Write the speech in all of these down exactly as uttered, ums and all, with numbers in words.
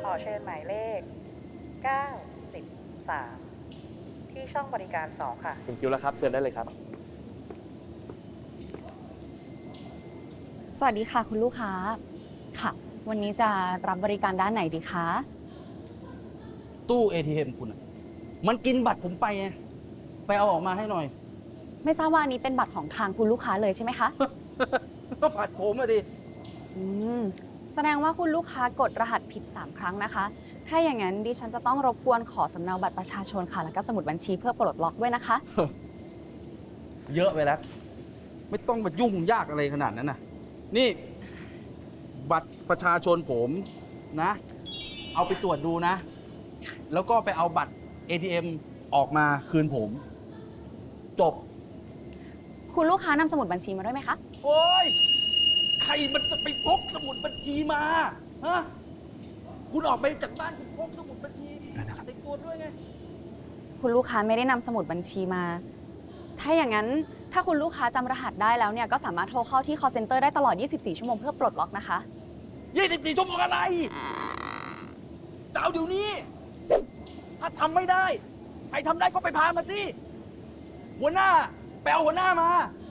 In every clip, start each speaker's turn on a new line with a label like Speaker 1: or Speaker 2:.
Speaker 1: อเชิญหมายเลขเก้าสิบสามที่ช่องบริการสองค่ะ
Speaker 2: ถึงคิวแล้วครับเชิญได้เลยครับ
Speaker 3: สวัสดีค่ะคุณลูกค้าค่ะ วันนี้จะรับบริการด้านไหนดีคะ
Speaker 4: ตู้ เอ ที เอ็ม คุณอะมันกินบัตรผมไปไงไปเอาออกมาให้หน่อย
Speaker 3: ไม่ทราบว่าอันนี้เป็นบัตรของทางคุณลูกค้าเลยใช่ไหมคะ
Speaker 4: ก็บัตรผมอะดิ
Speaker 3: อืมแสดงว่าคุณลูกค้ากดรหัสผิดสามครั้งนะคะ ถ้าอย่างนั้นดิฉันจะต้องรบกวนขอสำเนาบัตรประชาชนค่ะแล้วก็สมุดบัญชีเพื่อปลดล็อกด้วยนะคะ
Speaker 4: เยอะไปแล้ว ไม่ต้องมายุ่งยากอะไรขนาดนั้นนะนี่ บัตรประชาชนผมนะ เอาไปตรวจดูนะ แล้วก็ไปเอาบัตร เอ ที เอ็ม ออกมาคืนผม จบ
Speaker 3: คุณลูกค้านำสมุดบัญชีมาด้วยไหมคะ
Speaker 4: โอ้ยใครมันจะไปพกสมุดบัญชีมาฮะคุณออกไปจากบ้านคุณพกสมุดบัญชีติดตัวด้วยไง
Speaker 3: คุณลูกค้าไม่ได้นำสมุดบัญชีมา ถ้าอย่างนั้นถ้าคุณลูกค้าจำรหัสได้แล้วเนี่ยก็สามารถโทรเข้าที่ call center ได้ตลอด ยี่สิบสี่ ชั่วโมงเพื่อปลดล็อกนะคะ
Speaker 4: ยี่สิบสี่ชั่วโมงอะไรจะเอาเดี๋ยวนี้ ถ้าทำไม่ได้ ใครทำได้ก็ไปพามาสิหัวหน้าไปเอาหัวหน้ามา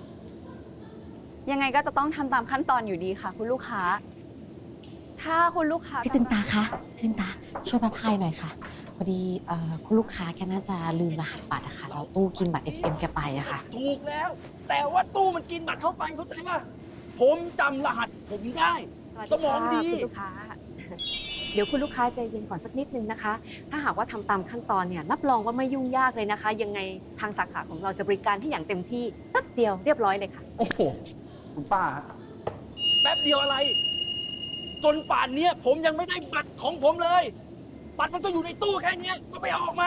Speaker 3: ยังไงก็จะต้องทำตามขั้นตอนอยู่ดีค่ะ คุณลูกค้า ถ้าคุณลูกค้า
Speaker 5: พี่ตึงตาคะพี่ตึงตาช่วยพับไพ่หน่อยค่ะ พอดีเอ่อคุณลูกค้าแกน่าจะลืมรหัสบัตรอะค่ะแล้วตู้กินบัตร เอ ที เอ็ม แกไปอะค่ะ
Speaker 4: ถูกแล้ว แต่ว่าตู้มันกินบัตรเข้าไปเข้าใจป่ะผมจำรหัสผมได้ สมองดี
Speaker 6: คุณลูกค้า เดี๋ยวคุณลูกค้าใจเย็นก่อนสักนิดนึงนะคะ ถ้าหากว่าทำตามขั้นตอนเนี่ยรับรองว่าไม่ยุ่งยากเลยนะคะ ยังไงทางสาขาของเราจะบริการที่อย่างเต็มที่แป๊บเดียวเรียบร้อยเลยค่ะ
Speaker 4: โอ้โหคุณป้าฮะแป๊บเดียวอะไร จนป่านเนี้ยผมยังไม่ได้บัตรของผมเลย บัตรมันก็อยู่ในตู้แค่เนี้ยก็ไปเอาออกมา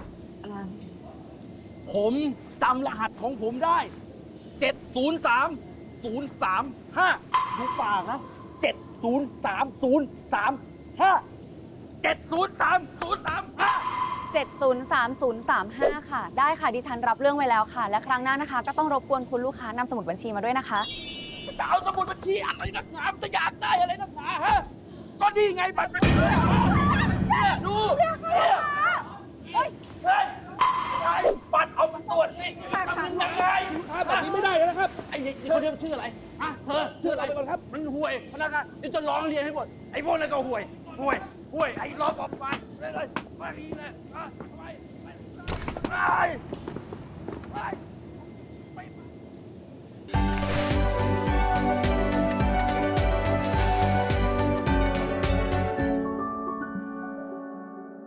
Speaker 4: ผมจำรหัสของผมได้ เจ็ด ศูนย์ สาม ศูนย์ สาม ห้า ดูปากนะ เจ็ด ศูนย์ สาม ศูนย์ สาม ห้า เจ็ด ศูนย์ สาม ศูนย์ สาม ห้า
Speaker 3: เจ็ด ศูนย์ สาม ศูนย์ สาม ห้า ค่ะ ได้ค่ะดิฉันรับเรื่องไว้แล้วค่ะ และครั้งหน้านะคะ ก็ต้องรบกวนคุณลูกค้านำสมุดบัญชีมาด้วยนะคะ
Speaker 4: จะเอาสมุดบัญชีอะไรนักหนามันจะอยากได้อะไรนักหนาฮะ ก็นี่ไงบัตรประชาชนเนี่ยดูเนี่ยเฮ้ยเฮ้ยไอ้บัตรเอาไปตรวจนี่ทำยังไงแบบนี้ไม่ได้นะครับ ไอ้เด็กคนนี้มันชื่ออะไรฮะเธอชื่ออะไรก่อนครับ มันห่วยพนักงานนี่จะร้องเรียนให้หมด ไอ้พวกนั้นก็ห่วย ห่วย ห่วย ไอ้รอปภไปเลยไปเลยอ่ะไปไปไปไป